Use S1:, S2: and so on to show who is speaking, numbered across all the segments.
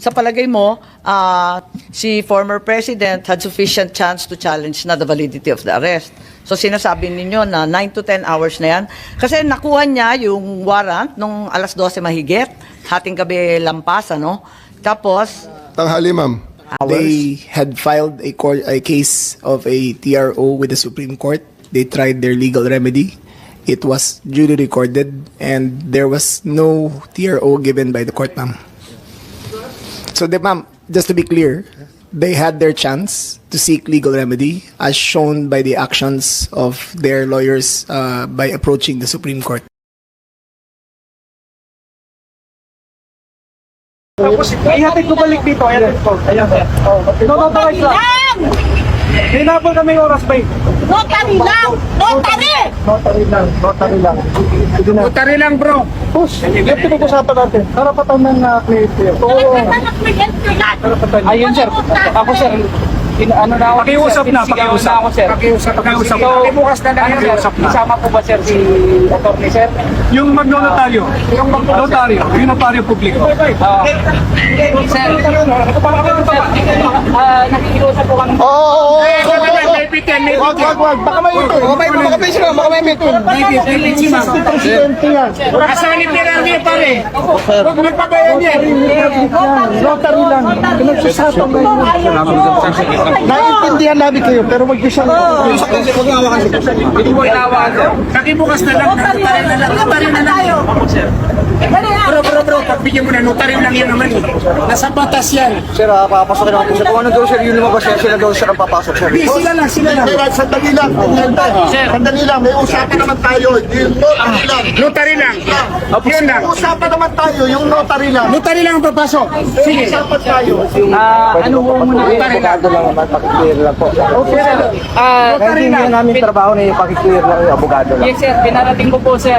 S1: sa palagay mo, si former president had sufficient chance to challenge na the validity of the arrest. So sinasabi ninyo na 9 to 10 hours na yan. Kasi nakuha niya yung warrant nung alas 12 mahigit, hating gabi lampas, ano? Tapos,
S2: Tanghali, ma'am.
S3: They had filed a case of a TRO with the Supreme Court. They tried their legal remedy. It was duly recorded, and there was no TRO given by the court, ma'am. So, ma'am, just to be clear, they had their chance to seek legal remedy, as shown by the actions of their lawyers by approaching the Supreme Court.
S4: Tapos, ihatid ko balik dito. Ihatid ko. Ayan. Notarize lang. Hinabol kami oras ba?
S5: Notary lang! Notary!
S4: Notary lang. Notary lang.
S6: Notary lang, bro.
S4: Push. Yung pinag-usapan natin. Karapatan ng cliente. Oo.
S6: Ayun, sir. Ako, sir. Ano na ako?
S4: Pakiusap na.
S6: Pakiusap na ako, sir.
S4: Pakiusap.
S6: So,
S4: Bukas na lang.
S6: Pakiusap na. Isama po ba, sir, si attorney, sir?
S4: Yung magnotaryo. Yung magnotaryo. Yung notaryo publiko.
S6: Sir, nakikiusap po kami.
S4: Wag. Baka may ito. Baka may ito. Presidente yan.
S6: Asan ni Pirani, pare? Huwag magpabayan yan.
S4: Notary lang. Pinagsusapan na yun. Naiintindihan namin kayo, pero wag niyo siyang...
S6: Hindi mo inawagan. Nakibukas na lang. Notary na lang. Bro. Pagbigyan mo na. Notary lang yan naman. Nasa batas yan.
S7: Sir, papasok naman po siya. Kung ano daw sir, yun lumabas siya, sila daw sir ang papasok sir.
S4: Sila lang.
S2: Sandali lang. Sandali lang. May usapan naman tayo. Yung notary lang.
S6: Notary lang. Yun lang.
S2: May usapan naman tayo. Yung notary lang.
S6: Notary lang ang papasok.
S2: Sige. Usapan tayo.
S6: Ano po muna? Notary lang.
S7: Abogado lang naman, pakiclear lang po.
S6: Okay, sir.
S7: Kasi hindi na namin trabaho na yung pakiclear lang yung abogado lang.
S6: Yes, sir. Pinarating ko po, sir.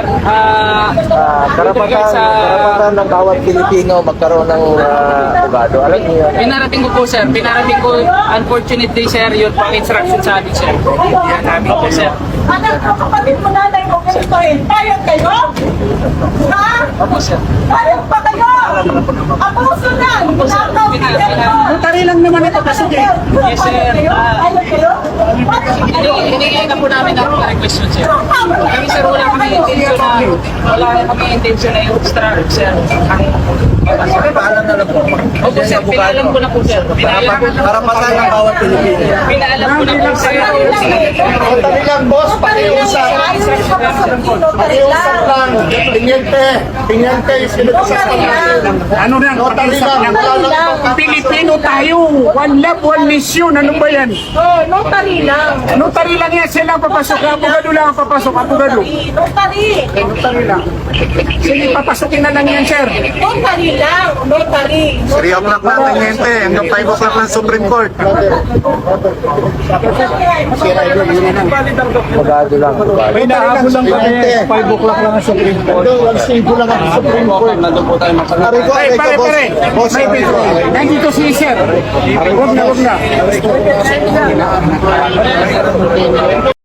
S7: Karapatan ng bawat Pilipino magkaroon ng abogado. Alam niyo yun.
S6: Pinarating ko po, sir. Pinarating ko, unfortunately, sir, yun pang instruction sa amin, sir. Yan namin po, sir.
S5: Anak ko, kapatid mo nanay mo, ganitoin. Payag kayo? Ha?
S6: Opo, sir.
S5: Payag pa kayo? Abuso na! Nakaw kayo!
S6: Notary lang naman ito, kasi yes, sir.
S5: Payag kayo?
S6: Hinigay na po namin ang request yun, sir. Kami, sir, wala kami intention na yung extract, sir.
S7: Paalam na lang po.
S6: Opo, sir. Pinaalam ko na po, sir.
S7: Karapatan ng bawat Pilipino.
S6: Pinaalam ko na po, sir.
S2: Notary lang, boss. Pakiusap. Pakiusap lang. Tingente. Yung pinag-usapan natin.
S6: Ano na?
S2: Notary lang.
S6: Pilipino tayo. One love, one mission. Ano ba yan?
S5: Oh, notary lang.
S6: Notary lang yan. Sila ang papasok. Abogado lang ang papasok. Abogado.
S5: Notary.
S6: Notary lang. Sige, papasukin na lang yan, sir.
S5: Notary lang. Notary.
S7: 3 o'clock na tangente. Hanggang 5 o'clock ng Supreme Court. Abogado lang.
S4: May nahabol lang kami. 5 o'clock lang ang Supreme Court.
S2: Ang stable lang ang Supreme Court.
S7: Nandun po tayo
S2: Pare ko,
S6: Pare,
S2: ikaw, boss.
S6: pare.
S2: Boss,
S6: Nandito si sir. Huwag na.